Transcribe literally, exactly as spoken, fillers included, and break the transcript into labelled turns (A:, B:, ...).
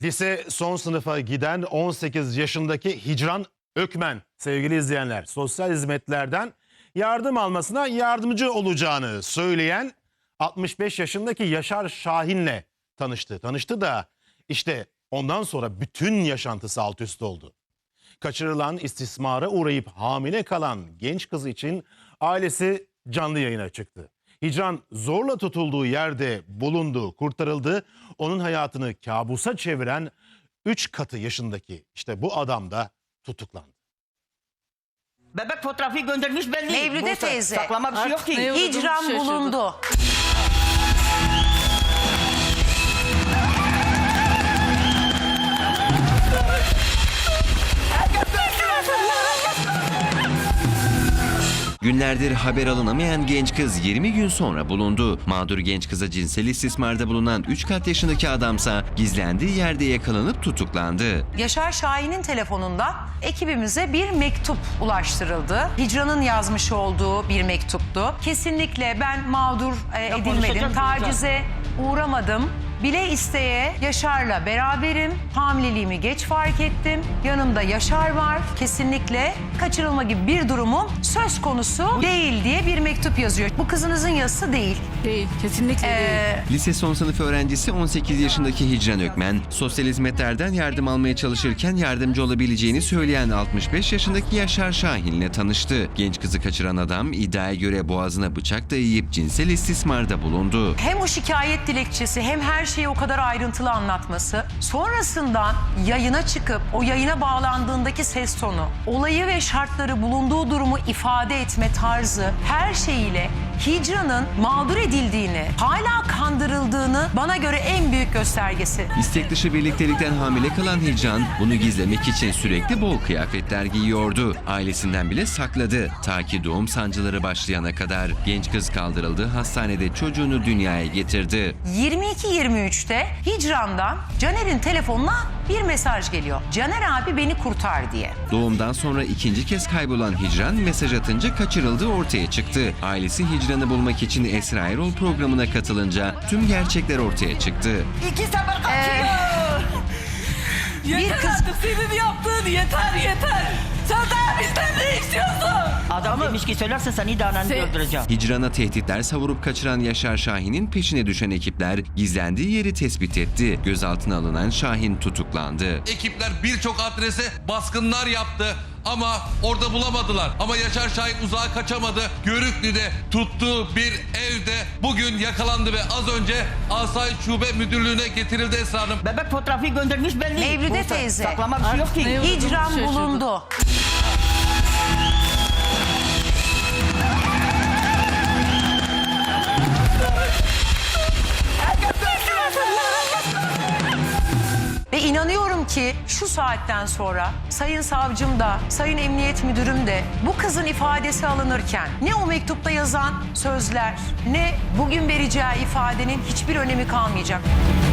A: Lise son sınıfa giden on sekiz yaşındaki Hicran Ökmen, sevgili izleyenler, sosyal hizmetlerden yardım almasına yardımcı olacağını söyleyen altmış beş yaşındaki Yaşar Şahin'le tanıştı. Tanıştı da işte ondan sonra bütün yaşantısı alt üst oldu. Kaçırılan, istismara uğrayıp hamile kalan genç kız için ailesi canlı yayına çıktı. Hicran zorla tutulduğu yerde bulundu, kurtarıldı. Onun hayatını kabusa çeviren üç katı yaşındaki işte bu adam da tutuklandı.
B: Bebek fotoğrafı göndermiş belli.
C: Mevlüde
B: Bu
C: teyze.
B: Saklama bir şey yok ki.
D: Ne olduğunu
C: Hicran
D: şaşırdım.
C: bulundu.
E: Günlerdir haber alınamayan genç kız yirmi gün sonra bulundu. Mağdur genç kıza cinsel istismarda bulunan üç kat yaşındaki adamsa gizlendiği yerde yakalanıp tutuklandı.
C: Yaşar Şahin'in telefonunda ekibimize bir mektup ulaştırıldı. Hicran'ın yazmış olduğu bir mektuptu. Kesinlikle ben mağdur e, edilmedim,
B: konuşacağız
C: tacize uğramadım. Bile isteye Yaşar'la beraberim. Hamileliğimi geç fark ettim. Yanımda Yaşar var. Kesinlikle kaçırılma gibi bir durumum söz konusu değil diye bir mektup yazıyor. Bu kızınızın yazısı değil.
D: Değil, kesinlikle değil.
C: Ee,
E: Lise son sınıf öğrencisi on sekiz yaşındaki Hicran Ökmen, sosyal hizmetlerden yardım almaya çalışırken yardımcı olabileceğini söyleyen altmış beş yaşındaki Yaşar Şahin'le tanıştı. Genç kızı kaçıran adam iddiaya göre boğazına bıçak dayayıp cinsel istismarda bulundu.
C: Hem o şikayet dilekçesi hem her şeyi o kadar ayrıntılı anlatması, sonrasından yayına çıkıp o yayına bağlandığındaki ses tonu, olayı ve şartları, bulunduğu durumu ifade etme tarzı, her şeyiyle Hicran'ın mağdur edildiğini, hala kandırıldığını bana göre en büyük göstergesi.
E: İstek dışı birliktelikten hamile kalan Hicran bunu gizlemek için sürekli bol kıyafetler giyiyordu. Ailesinden bile sakladı. Ta ki doğum sancıları başlayana kadar genç kız kaldırıldı, hastanede çocuğunu dünyaya getirdi.
C: yirmi iki yirmi üçte Hicran'dan Caner'in telefonuna bir mesaj geliyor. Caner abi beni kurtar diye.
E: Doğumdan sonra ikinci kez kaybolan Hicran mesaj atınca kaçırıldığı ortaya çıktı. Ailesi Hicran'ı bulmak için Esra Erol programına katılınca tüm gerçekler ortaya çıktı.
B: İki sefer kaçıyor.
D: Yeter
C: bir kız-
D: artık senin yaptığın yeter yeter. Sen daha bizden ne istiyorsun?
B: Adam demiş ki söylersen seni de ananı
D: Sen-
B: öldüreceğim.
E: Hicran'a tehditler savurup kaçıran Yaşar Şahin'in peşine düşen ekipler gizlendiği yeri tespit etti. Gözaltına alınan Şahin tutuklandı.
F: Ekipler birçok adrese baskınlar yaptı ama orada bulamadılar. Ama Yaşar Şahin uzağa kaçamadı. Görüklü'de tuttuğu bir evde bugün yakalandı ve az önce Asayiş Şube Müdürlüğü'ne getirildi Esra Hanım.
B: Bebek fotoğrafı göndermiş belli.
C: Mevlüde
B: Bu
C: teyze.
B: Saklama bir şey yok ki.
D: Ne olduğunu
C: Hicran
D: şaşırdım.
C: bulundu. Ve inanıyorum ki şu saatten sonra Sayın Savcım da, Sayın Emniyet Müdürüm de bu kızın ifadesi alınırken ne o mektupta yazan sözler ne bugün vereceği ifadenin hiçbir önemi kalmayacak.